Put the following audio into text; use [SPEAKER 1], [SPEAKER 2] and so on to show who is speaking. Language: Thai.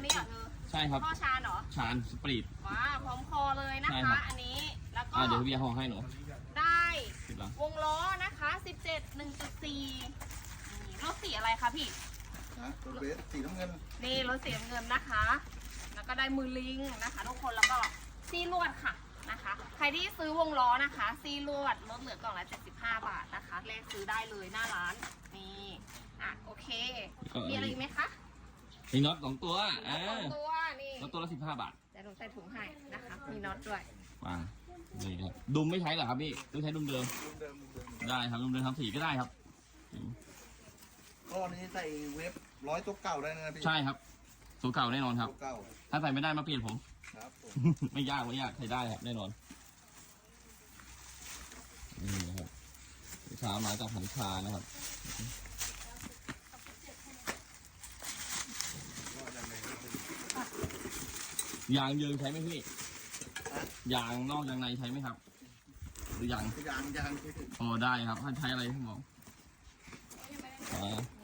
[SPEAKER 1] นี้เหรอเธอ
[SPEAKER 2] ใช่ครับ
[SPEAKER 1] ท่อชานเหรอ
[SPEAKER 2] ชานสปริต
[SPEAKER 1] ว้าพร้อมคอเลยนะ
[SPEAKER 2] ใช่ครั
[SPEAKER 1] คะ
[SPEAKER 2] บ
[SPEAKER 1] อันนี้แล้วก็
[SPEAKER 2] เดี๋ยวพี่เบียร์ห่อให้หนู
[SPEAKER 1] ได้
[SPEAKER 2] ติดหลัง
[SPEAKER 1] วงล้อนะคะ17 1.4รถสีอะไรคะพี่
[SPEAKER 3] นะรถเบสสีน้ำเงิน
[SPEAKER 1] นี่รถสีน้ำเงินนะคะ แล้วก็ได้มือลิงนะคะทุกคนแล้วก็ซี่ลวดค่ะนะคะ ใครที่ซื้อวงล้อนะคะซี่ลวดลดเหลือกล่องละ75 บาทนะคะเลขซื้อได้เลยหน้าร้านนี่โอเคมีอะไรอีกไหมคะ
[SPEAKER 2] มีน็อต2 ตัว
[SPEAKER 1] ตัวนี่
[SPEAKER 2] น็อตตัวละ15 บาท
[SPEAKER 1] เดี๋ยวหนูใส่ถุงให้นะคะมีน็อตด้วย
[SPEAKER 2] วางนี่ครับดุมไม่ใช้เหรอครับพี่ต้องใช้ดุมเดิม
[SPEAKER 3] เดิม
[SPEAKER 2] ได้ครับดุมเดิมทำสีก็ได้ครับ
[SPEAKER 3] ก็นี้ใส่เว็บ100ตัวเก่าได้นะพี่
[SPEAKER 2] ใช่ครับสูตรเก่าแน่นอนครับ
[SPEAKER 3] ตัวเก่า
[SPEAKER 2] ถ้าใส่ไม่ได้มาเปลี่ยนผม
[SPEAKER 3] ครับผม
[SPEAKER 2] ไม่ยากใช้ได้ครับแน่นอนนี่นะครับลูกค้ามาจากหันคานะครับยางเยิงใช้ไหมพี่ยางนอกยางในใช้ไหมครับ หรือยาง
[SPEAKER 3] ยาง
[SPEAKER 2] อ๋อได้ครับถ้าใช้อะไรพี่หมอ